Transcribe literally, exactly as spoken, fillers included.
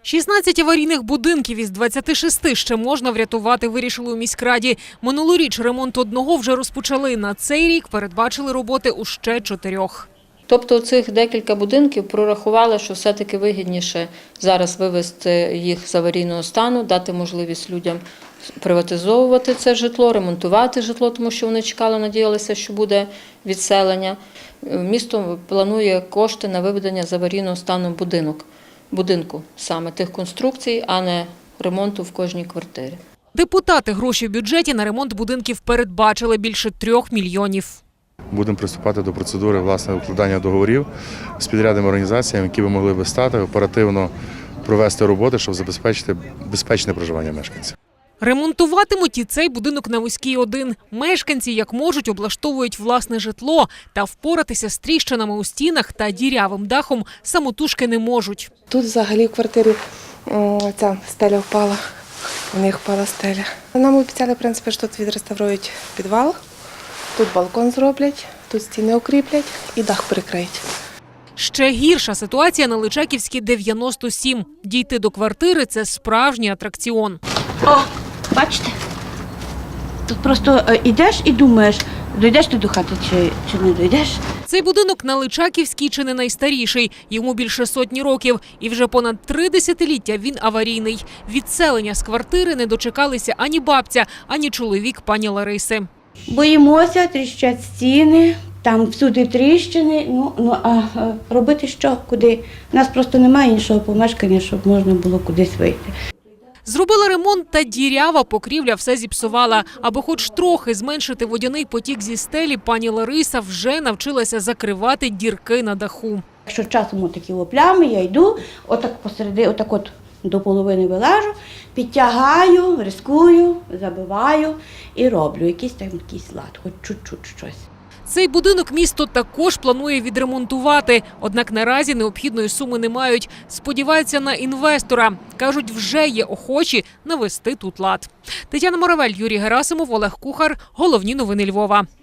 шістнадцять аварійних будинків із двадцяти шести ще можна врятувати, вирішили у міськраді. Минулоріч ремонт одного вже розпочали. На цей рік передбачили роботи у ще чотирьох. Тобто цих декілька будинків прорахували, що все-таки вигідніше зараз вивести їх з аварійного стану, дати можливість людям приватизовувати це житло, ремонтувати житло, тому що вони чекали, надіялися, що буде відселення. Місто планує кошти на виведення з аварійного стану будинок, будинку, саме тих конструкцій, а не ремонту в кожній квартирі. Депутати гроші в бюджеті на ремонт будинків передбачили більше трьох мільйонів. Будемо приступати до процедури власне укладання договорів з підрядними організаціями, які би могли би стати оперативно провести роботи, щоб забезпечити безпечне проживання мешканців. Ремонтуватимуть і цей будинок на Вузькій один. Мешканці, як можуть, облаштовують власне житло, та впоратися з тріщинами у стінах та дірявим дахом самотужки не можуть. Тут взагалі в квартирі ця стеля впала, у них впала стеля. Нам обіцяли, в принципі, що тут відреставрують підвал, тут балкон зроблять, тут стіни укріплять і дах перекриють. Ще гірша ситуація на Личаківській дев'яносто сім. Дійти до квартири – це справжній атракціон. О, бачите? Тут просто йдеш і думаєш, дійдеш ти до хати чи, чи не дійдеш. Цей будинок на Личаківській чи не найстаріший. Йому більше сотні років. І вже понад три десятиліття він аварійний. Відселення з квартири не дочекалися ані бабця, ані чоловік пані Лариси. Боїмося, тріщать стіни, там всюди тріщини. Ну, ну а робити що, куди? У нас просто немає іншого помешкання, щоб можна було кудись вийти. Зробила ремонт, та дірява покрівля все зіпсувала. Аби хоч трохи зменшити водяний потік зі стелі, пані Лариса вже навчилася закривати дірки на даху. Якщо часом такі плями, я йду, отак посереди, отак от до половини вилажу, підтягаю, рискую, забиваю і роблю якийсь там якийсь лад, хоч чуть-чуть щось. Цей будинок місто також планує відремонтувати. Однак наразі необхідної суми не мають. Сподіваються на інвестора. Кажуть, вже є охочі навести тут лад. Тетяна Моравель, Юрій Герасимов, Олег Кухар. Головні новини Львова.